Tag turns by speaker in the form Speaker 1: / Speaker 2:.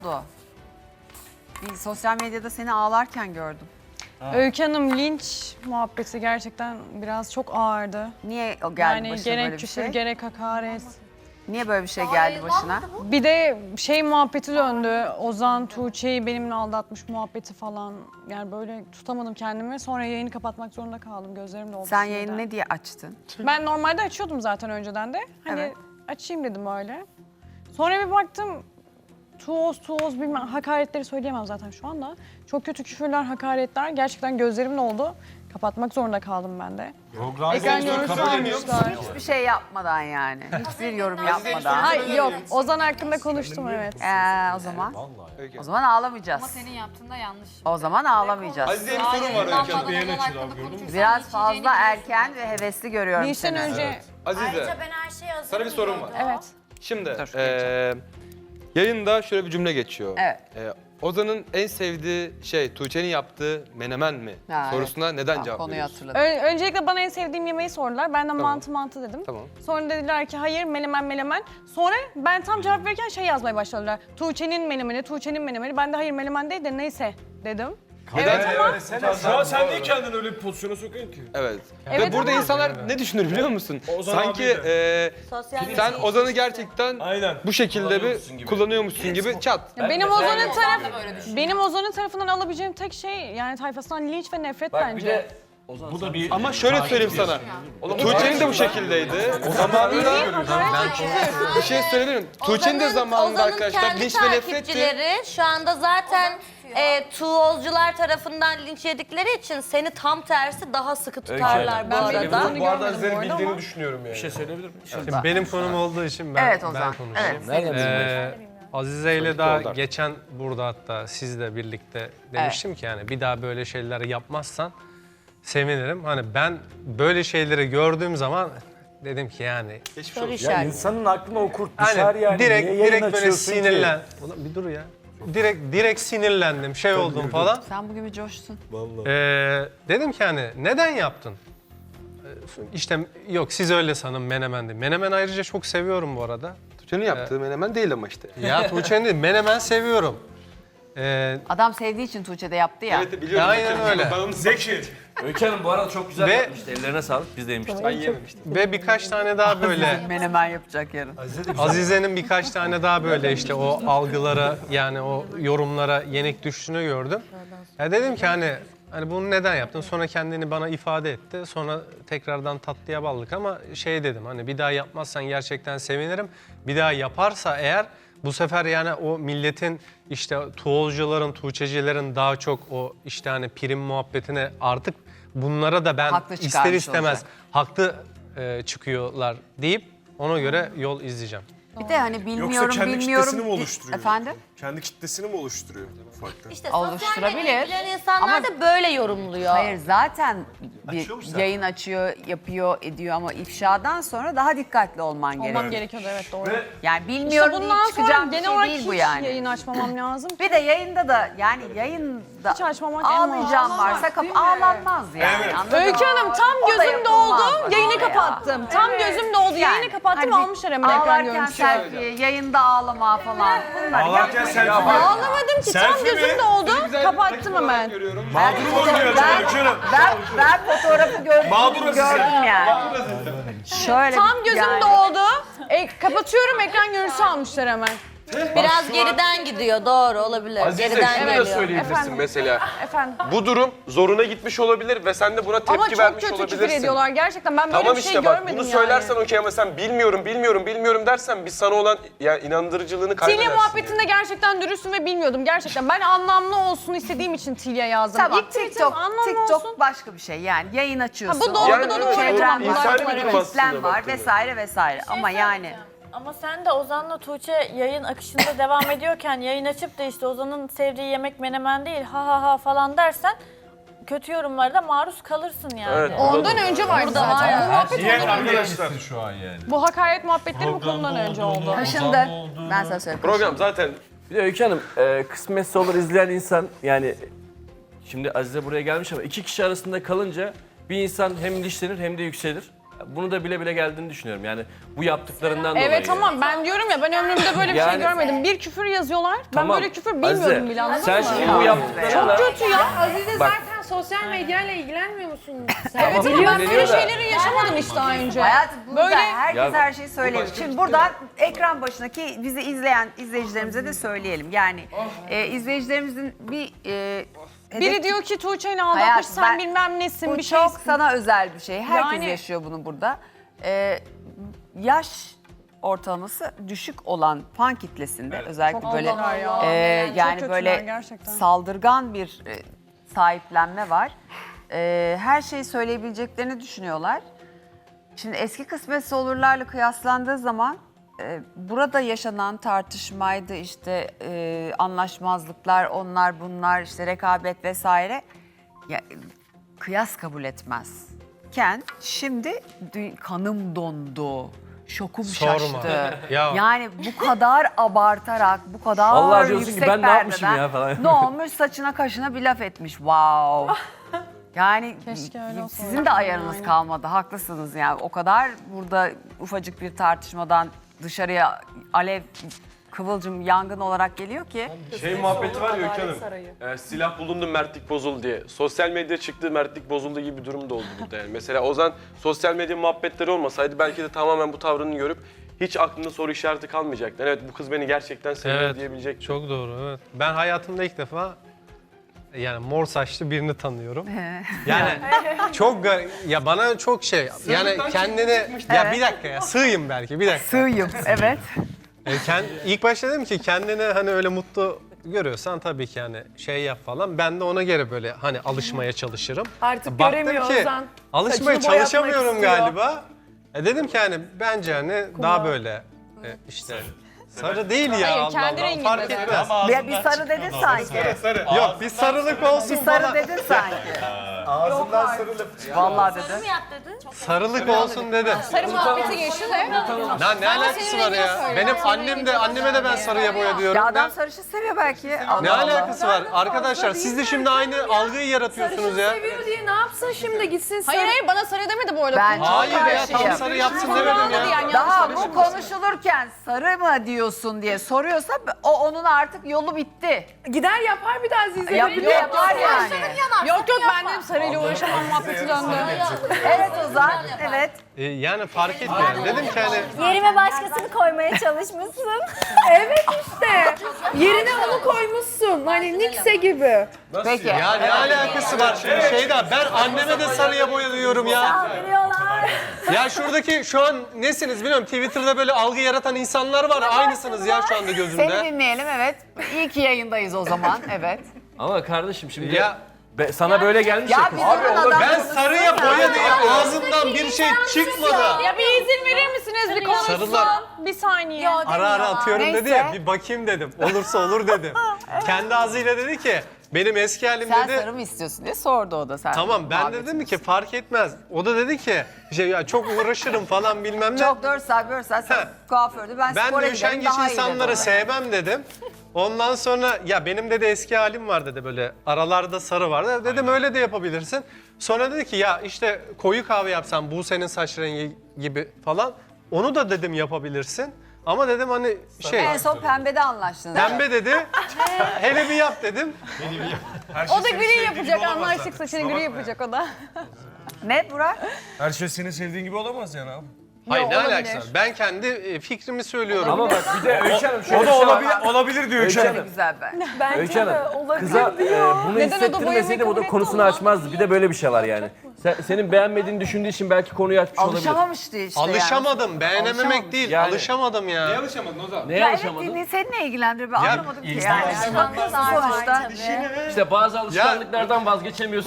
Speaker 1: oldu? Bir sosyal medyada seni ağlarken gördüm.
Speaker 2: Öykü Hanım linç muhabbeti gerçekten biraz çok ağırdı.
Speaker 1: Niye o geldi
Speaker 2: Yani
Speaker 1: başına
Speaker 2: gerek
Speaker 1: böyle bir
Speaker 2: küfür
Speaker 1: şey?
Speaker 2: gerek hakaret.
Speaker 1: Niye böyle bir şey geldi başına?
Speaker 2: Bir de şey muhabbeti döndü. Ozan Tuğçe'yi benimle aldatmış muhabbeti falan. Yani böyle tutamadım kendimi. Sonra yayını kapatmak zorunda kaldım. Gözlerim doldu.
Speaker 1: Sen
Speaker 2: sinirden.
Speaker 1: yayını ne diye açtın?
Speaker 2: Ben normalde açıyordum zaten önceden de. Hani
Speaker 1: Evet.
Speaker 2: açayım dedim öyle. Sonra bir baktım tuğoz bilmem hakaretleri söyleyemem zaten şu anda. Çok kötü küfürler, hakaretler gerçekten gözlerimle oldu. Kapatmak zorunda kaldım ben de. Ekran görüntüsü almışlar.
Speaker 1: Hiçbir şey yapmadan yani. Hiçbir yorum yapmadan.
Speaker 2: Hayır yok. Ozan hakkında konuştum evet.
Speaker 1: O zaman ağlamayacağız.
Speaker 3: Ama senin yaptığında yanlış.
Speaker 1: O zaman ağlamayacağız.
Speaker 4: Azize'ye bir sorun var Öykü Hanım.
Speaker 3: Beğen açıdan gördün mü?
Speaker 1: Biraz fazla erken ve hevesli görüyorum
Speaker 2: Linçten
Speaker 1: seni.
Speaker 2: önce
Speaker 4: Azize,
Speaker 5: Ayrıca ben her şeye hazırım.
Speaker 4: sana bir sorum var.
Speaker 2: evet.
Speaker 4: Şimdi
Speaker 1: Dur,
Speaker 4: yayında şöyle bir cümle geçiyor.
Speaker 1: Evet.
Speaker 4: Ozan'ın en sevdiği şey Tuğçe'nin yaptığı menemen mi?
Speaker 1: Ha,
Speaker 4: Sorusuna neden
Speaker 1: Tamam,
Speaker 4: cevap
Speaker 1: konuyu
Speaker 4: veriyorsun?
Speaker 1: hatırladım.
Speaker 2: Öncelikle bana en sevdiğim yemeği sordular. Ben de mantı dedim.
Speaker 4: Tamam.
Speaker 2: Sonra dediler ki hayır menemen. Sonra ben tam cevap verirken şey yazmaya başladılar. Tuğçe'nin menemeni. Ben de hayır menemen değil de neyse dedim. Evet ama
Speaker 6: Şu an sen niye kendini öyle bir pozisyona sokuyorsun ki?
Speaker 4: Evet.
Speaker 2: Evet
Speaker 4: Ve burada
Speaker 2: ama-
Speaker 4: insanlar ne düşünür biliyor musun?
Speaker 6: Ozan
Speaker 4: Sanki
Speaker 6: abi
Speaker 4: sen Ozan'ı gerçekten
Speaker 6: Aynen.
Speaker 4: bu şekilde
Speaker 6: Kullanıyormuşsun gibi.
Speaker 4: kullanıyormuşsun gibi çat.
Speaker 2: benim Ozan'ın tarafından alabileceğim tek şey yani tayfasından linç ve nefret bence.
Speaker 6: Bu da bir
Speaker 4: Ama şöyle söyleyeyim sana. Tuğçe'nin de bu şekildeydi. Zamanında bir şey söyleyebilirim. Tuğçe'nin de zamanında arkadaşlar linç ve nefretti.
Speaker 5: takipçileri şu anda zaten tuğolcular tarafından linç yedikleri için seni tam tersi daha sıkı tutarlar bu
Speaker 2: Ben
Speaker 5: arada.
Speaker 2: benim
Speaker 6: bu arada
Speaker 2: görmedim bu
Speaker 6: Aziz'in
Speaker 2: arada
Speaker 6: bildiğini
Speaker 2: ama-
Speaker 6: düşünüyorum yani.
Speaker 7: Bir şey söyleyebilir miyim?
Speaker 8: Şimdi benim konum olduğu için ben,
Speaker 1: Evet Ozan.
Speaker 8: ben konuşayım.
Speaker 1: Evet.
Speaker 8: Azize ile daha geçen burada hatta sizle birlikte demiştim ki yani bir daha böyle şeyler yapmazsan sevinirim. Hani ben böyle şeyleri gördüğüm zaman dedim ki yani
Speaker 5: Soru işareti.
Speaker 7: İnsanın aklına o kurt
Speaker 8: hani
Speaker 7: düşer yani.
Speaker 8: direkt
Speaker 7: Niye yayın
Speaker 8: böyle
Speaker 7: açıyorsun ki?
Speaker 8: sinirlen. Ulan bir dur ya. Direkt sinirlendim, şey oldum falan.
Speaker 1: Sen bugün bir coştun.
Speaker 8: Dedim ki hani neden yaptın? İşte yok siz öyle sanın menemendi. Menemen ayrıca çok seviyorum bu arada.
Speaker 4: Tuğçe'nin yaptığı menemen değil ama işte.
Speaker 8: Ya Tuğçe'nin değil, menemen seviyorum.
Speaker 1: Adam sevdiği için Tuğçe'de yaptı ya.
Speaker 4: Evet biliyorum.
Speaker 8: Aynen öyle.
Speaker 4: Ben onu
Speaker 6: Zeki.
Speaker 7: Öykü Hanım bu arada çok güzel
Speaker 8: Ve-
Speaker 7: yapmıştı. Ellerine sağlık. Biz de yemiştik.
Speaker 4: ben yememiştim.
Speaker 8: Ve birkaç tane daha böyle
Speaker 1: Menemen yapacak yarın.
Speaker 8: Azize'nin birkaç tane daha böyle işte o algılara yani o yorumlara yenik düştüğünü gördüm. Ya dedim ki hani bunu neden yaptın? Sonra kendini bana ifade etti. Sonra tekrardan tatlıya baldık ama şey dedim hani bir daha yapmazsan gerçekten sevinirim. Bir daha yaparsa eğer bu sefer yani o milletin işte tuğolcuların, tuğçecilerin daha çok o işte hani prim muhabbetine artık bunlara da ben
Speaker 1: Haklı
Speaker 8: ister
Speaker 1: çıkarmış
Speaker 8: istemez
Speaker 1: olacak.
Speaker 8: haklı çıkıyorlar deyip ona göre yol izleyeceğim.
Speaker 1: Bir de hani
Speaker 6: Yoksa
Speaker 1: bilmiyorum
Speaker 6: kendi
Speaker 1: bilmiyorum.
Speaker 6: kitlesini mi oluşturuyor?
Speaker 1: Efendim?
Speaker 6: Kendi kitlesini mi oluşturuyor ufaktan?
Speaker 5: İşte sosyal
Speaker 1: Oluşturabilir.
Speaker 5: medyayı bilen insanlar
Speaker 1: Ama-
Speaker 5: da böyle yorumluyor.
Speaker 1: Hayır zaten bir yayın açıyor, yapıyor, ediyor ama ifşadan sonra daha dikkatli olman gerekiyor.
Speaker 2: Olmam gerekiyordu evet doğru.
Speaker 1: Yani
Speaker 2: İşte
Speaker 1: bilmiyorum
Speaker 2: bundan
Speaker 1: deyip
Speaker 2: sonra
Speaker 1: çıkacağım bir
Speaker 2: genel
Speaker 1: şey
Speaker 2: olarak
Speaker 1: değil
Speaker 2: hiç
Speaker 1: bu yani.
Speaker 2: yayın açmamam lazım.
Speaker 1: Bir de yayında da yani yayında
Speaker 2: Hiç açmamak en
Speaker 1: ağlayacağım
Speaker 2: mantıklı.
Speaker 1: varsa ağlanmaz yani.
Speaker 6: Evet.
Speaker 1: Anladın mı?
Speaker 2: Öykü Hanım tam
Speaker 1: O da
Speaker 2: gözüm
Speaker 1: yapılmaz
Speaker 2: doldu,
Speaker 1: bence
Speaker 2: yayını
Speaker 1: ya.
Speaker 2: kapattım. Tam gözüm doldu, yayını kapattım,
Speaker 1: hani
Speaker 2: almışlar hemen ekran
Speaker 1: ağlarken
Speaker 2: görüntüsü.
Speaker 1: selfie, yayında ağlama falan. Bunlar
Speaker 6: Ağlarken selfie mi?
Speaker 2: Ağlamadım ki, tam
Speaker 6: Selfie mi?
Speaker 2: gözüm doldu,
Speaker 4: Güzel bir
Speaker 2: kapattım
Speaker 4: rakip olarak
Speaker 2: hemen.
Speaker 4: görüyorum.
Speaker 6: Mağdurum oynuyor canım Öykü Hanım.
Speaker 1: Ben fotoğrafı
Speaker 6: Mağdur Azize.
Speaker 1: gördüm yani. Şöyle
Speaker 2: Tam gözüm
Speaker 1: yani.
Speaker 2: doldu, kapatıyorum ekran görüntüsü almışlar hemen.
Speaker 5: Biraz geriden gidiyor doğru olabilir.
Speaker 4: Azize
Speaker 5: geriden
Speaker 4: şunu da
Speaker 5: geliyor.
Speaker 4: söyleyebilirsin
Speaker 2: Efendim?
Speaker 4: mesela.
Speaker 2: Efendim.
Speaker 4: Bu durum zoruna gitmiş olabilir ve sen de buna tepki
Speaker 2: Ama çok
Speaker 4: vermiş
Speaker 2: kötü küfür
Speaker 4: olabilirsin.
Speaker 2: ediyorlar gerçekten, ben böyle
Speaker 4: Tamam
Speaker 2: bir şey
Speaker 4: işte bak
Speaker 2: görmedim
Speaker 4: bunu
Speaker 2: yani.
Speaker 4: söylersen okey ama sen bilmiyorum dersen biz sana olan yani inandırıcılığını kaybedersin.
Speaker 2: Tilya muhabbetinde gerçekten dürüstüm ve bilmiyordum gerçekten. Ben anlamlı olsun istediğim için Tilya yazdım.
Speaker 1: Tamam
Speaker 2: İlk tweetim anlamlı
Speaker 1: TikTok
Speaker 2: olsun.
Speaker 1: başka bir şey yani yayın açıyorsun.
Speaker 2: Ha, bu doğru,
Speaker 4: Yani
Speaker 2: bu
Speaker 4: evet,
Speaker 2: doğru.
Speaker 1: Çevren
Speaker 2: Tamam,
Speaker 1: var,
Speaker 4: insani bir
Speaker 2: var,
Speaker 4: durum
Speaker 2: evet.
Speaker 4: aslında
Speaker 1: kitlen var
Speaker 4: baktığında.
Speaker 1: vesaire ama yani.
Speaker 9: Ama sen de Ozan'la Tuğçe yayın akışında devam ediyorken yayın açıp da işte Ozan'ın sevdiği yemek menemen değil ha falan dersen kötü yorumlara maruz kalırsın yani.
Speaker 4: Evet.
Speaker 2: Ondan önce vardı zaten. Bu muhabbet
Speaker 6: Niye
Speaker 2: ondan önce.
Speaker 6: arkadaşlar?
Speaker 7: Şu an yani.
Speaker 2: Bu hakaret muhabbetleri bu konudan önce oldu.
Speaker 1: Kaşındı. Ben sana söyleyeyim.
Speaker 4: Program zaten
Speaker 7: Bir de Öykü Hanım kısmetse olur izleyen insan yani şimdi Azize buraya gelmiş ama iki kişi arasında kalınca bir insan hem dişlenir hem de yükselir. Bunu da bile bile geldiğini düşünüyorum. Yani bu yaptıklarından dolayı.
Speaker 2: Evet tamam ben diyorum ya ben ömrümde böyle bir şey
Speaker 7: Yani-
Speaker 2: görmedim. Bir küfür yazıyorlar. Ben
Speaker 7: Tamam.
Speaker 2: böyle küfür bilmiyordum
Speaker 7: Azize,
Speaker 2: bile anladın
Speaker 7: sen
Speaker 2: mı?
Speaker 7: şimdi bu yaptıklarına...
Speaker 2: Çok kötü ya.
Speaker 10: Azize
Speaker 7: Bak.
Speaker 10: zaten sosyal medyayla ilgilenmiyor musun?
Speaker 2: Evet ama ben
Speaker 7: ilgileniyor
Speaker 2: böyle
Speaker 7: da.
Speaker 2: şeyleri yaşamadım işte daha önce.
Speaker 1: Hayatım burada
Speaker 2: Böyle-
Speaker 1: herkes
Speaker 7: Ya-
Speaker 1: her şeyi söyleyebilir. Şimdi buradan ekran başındaki bizi izleyen izleyicilerimize de söyleyelim. Yani izleyicilerimizin bir
Speaker 2: Biri diyor ki Tuğçe'ni aldatmış
Speaker 1: Hayatım,
Speaker 2: sen
Speaker 1: ben-
Speaker 2: bilmem nesin
Speaker 1: bu
Speaker 2: bir şey.
Speaker 1: çok sana özel bir şey. Herkes
Speaker 2: Yani-
Speaker 1: yaşıyor bunu burada. Yaş ortalaması düşük olan fan kitlesinde özellikle
Speaker 2: Çok
Speaker 1: böyle
Speaker 2: kötüler ya.
Speaker 1: yani
Speaker 2: Çok
Speaker 1: böyle
Speaker 2: kötüler gerçekten.
Speaker 1: saldırgan bir sahiplenme var. Her şeyi söyleyebileceklerini düşünüyorlar. Şimdi eski kısmetse olurlarla kıyaslandığı zaman burada yaşanan tartışmaydı işte anlaşmazlıklar onlar bunlar işte rekabet vesaire ya, kıyas kabul etmezken şimdi kanım dondu. Şokum
Speaker 8: Sorma.
Speaker 1: şaştı.
Speaker 8: Ya.
Speaker 1: Yani bu kadar abartarak, bu kadar
Speaker 7: Allah diyorsun ki
Speaker 1: yüksek
Speaker 7: ben ne yapmışım
Speaker 1: perdeden
Speaker 7: ya falan.
Speaker 1: ne olmuş saçına kaşına bir laf etmiş. Wow. Yani
Speaker 2: Keşke öyle olsa
Speaker 1: sizin de ayarınız kalmadı. Haklısınız yani. O kadar burada ufacık bir tartışmadan dışarıya alev, kıvılcım, yangın olarak geliyor ki.
Speaker 4: Şey muhabbeti var ya Öykü Hanım. Silah bulundu mertlik bozuldu diye. Sosyal medya çıktı mertlik bozuldu gibi bir durum da oldu burada yani. Mesela Ozan sosyal medya muhabbetleri olmasaydı belki de tamamen bu tavrını görüp hiç aklında soru işareti kalmayacaktı. Evet bu kız beni gerçekten seviyor
Speaker 8: Evet,
Speaker 4: diyebilecek.
Speaker 8: çok doğru. Evet. Ben hayatımda ilk defa yani mor saçlı birini tanıyorum. Yani çok ya bana çok şey yani kendine ya bir dakika ya sığayım belki bir dakika.
Speaker 1: Sığıyım, evet.
Speaker 8: İlk başta dedim ki kendini hani öyle mutlu görüyorsan tabii ki hani şey yap falan. Ben de ona göre böyle hani alışmaya çalışırım.
Speaker 10: Artık
Speaker 8: Baktım
Speaker 10: göremiyor
Speaker 8: ki
Speaker 10: Ozan.
Speaker 8: alışmaya
Speaker 10: Saçını boyatmak
Speaker 8: çalışamıyorum
Speaker 10: istiyor.
Speaker 8: galiba. Dedim ki hani bence hani daha böyle işte sarı değil ya
Speaker 2: Hayır,
Speaker 8: Allah
Speaker 2: kendi
Speaker 8: Allah
Speaker 2: renginde
Speaker 8: fark
Speaker 2: de.
Speaker 8: etmez.
Speaker 1: Bir sarı dedin sanki.
Speaker 8: Yok bir sarılık olsun
Speaker 1: Bir sarı
Speaker 8: falan.
Speaker 1: dedin sanki.
Speaker 6: Ağzından sarılıp.
Speaker 1: Vallahi dedi.
Speaker 5: Kim yap dedi?
Speaker 8: Sarılık olsun dedim.
Speaker 2: Sarı muhabbeti geçti de.
Speaker 8: Lan ne alakası var ya? Benim anneme de ben sarıya boya diyorum.
Speaker 1: Ya adam sarışın seviyor belki. Allah
Speaker 8: Ne
Speaker 1: Allah.
Speaker 8: alakası var? Arkadaşlar siz de şimdi aynı algıyı yaratıyorsunuz ya.
Speaker 10: Seviyor diye ne yapsın şimdi gitsin
Speaker 2: Hayır hayır bana sarı demedi bu arada.
Speaker 1: Ben çok
Speaker 8: Hayır ya
Speaker 1: karşıyım.
Speaker 8: tam sarı yapsın demedim ya.
Speaker 2: Yani
Speaker 1: Daha bu konuşulurken sarı mı diyorsun diye soruyorsa onun artık yolu bitti.
Speaker 10: gider yapar bir daha Azize.
Speaker 1: Yapar yani.
Speaker 2: Yok yok ben dedim sarıyla uğraşamam muhabbeti döndü.
Speaker 1: Evet Ozan, evet.
Speaker 8: Yani fark etmiyor. Dedim ki hani
Speaker 5: Yerime başkasını koymaya çalışmışsın.
Speaker 10: Evet işte. Yerine onu koymuşsun. Hani Nikse gibi.
Speaker 1: Peki.
Speaker 8: ya ne alakası var şimdi Şeyda ben anneme de sarıya boya diyorum ya. Ya şuradaki şu an nesiniz bilmiyorum Twitter'da böyle algı yaratan insanlar var aynısınız ya şu anda
Speaker 1: Seni
Speaker 8: gözümde.
Speaker 1: dinleyelim, evet. İyi ki yayındayız o zaman, evet.
Speaker 7: Ama kardeşim şimdi
Speaker 8: Ya
Speaker 7: sana böyle gelmiş ya
Speaker 1: Ya
Speaker 7: kız.
Speaker 1: bir durun adam.
Speaker 8: ben sarıya boya diye ağzımdan bir şey çıkmadı.
Speaker 2: Ya bir izin verir misiniz bir konuşsun?
Speaker 8: Sarılar.
Speaker 2: Bir saniye.
Speaker 8: Ara ara atıyorum dedi
Speaker 1: Neyse.
Speaker 8: ya bir bakayım dedim. Olursa olur dedim. Kendi ağzıyla dedi ki benim eski halim
Speaker 1: Sen
Speaker 8: dedi.
Speaker 1: sarı mı istiyorsun diye sordu o da sen.
Speaker 8: Tamam ben de dedim ki fark etmez. O da dedi ki şey ya çok uğraşırım falan bilmem ne.
Speaker 1: Çok 4 saat sen kuafördü. Ben
Speaker 8: Ben
Speaker 1: spora
Speaker 8: de
Speaker 1: giderim
Speaker 8: üşengeç
Speaker 1: daha iyi
Speaker 8: insanları
Speaker 1: dedi.
Speaker 8: sevmem dedim. Ondan sonra ya benim de eski halim var dedi böyle aralarda sarı var. Dedim öyle de yapabilirsin. Sonra dedi ki ya işte koyu kahve yapsan bu senin saç rengi gibi falan. Onu da dedim yapabilirsin. Ama dedim hani şey
Speaker 1: En son pembede anlaştınız.
Speaker 8: pembe dedi. Hele bir yap dedim.
Speaker 2: O da gri yapacak anlaştık saçını gri yapacak o da.
Speaker 1: Ne Burak?
Speaker 6: Her şey senin sevdiğin gibi olamaz yani abi.
Speaker 8: Hayır ne
Speaker 2: olabilir.
Speaker 8: alakası var? Ben kendi fikrimi söylüyorum.
Speaker 7: Ama bak bir de Öykü Hanım şöyle
Speaker 6: O
Speaker 7: bir
Speaker 6: da
Speaker 7: şey var.
Speaker 6: olabilir diyor Öykü
Speaker 1: Çok
Speaker 6: Hanım.
Speaker 1: güzel ben.
Speaker 7: Öykü Hanım, kıza bunu
Speaker 2: Neden o da
Speaker 7: hissettirmeseydi bu
Speaker 2: boyamayı
Speaker 7: da
Speaker 2: kabul
Speaker 7: konusunu
Speaker 2: etti
Speaker 7: açmazdı. Bir de böyle bir şey var yani. Senin beğenmediğini düşündüğü için belki konuyu açmış olabilir.
Speaker 1: Alışamamıştı işte
Speaker 8: Alışamadım. Beğenememek
Speaker 1: Alışamamış.
Speaker 8: değil.
Speaker 7: Yani-
Speaker 8: Alışamadım ya.
Speaker 4: Niye alışamadın Ozan?
Speaker 7: Neye
Speaker 1: Ya evet
Speaker 7: alışamadın?
Speaker 1: seninle ilgilendiriyor. Ben anlamadım ki yani.
Speaker 5: Sonuçta.
Speaker 7: İşte bazı alışkanlıklardan vazgeçemiyorsun.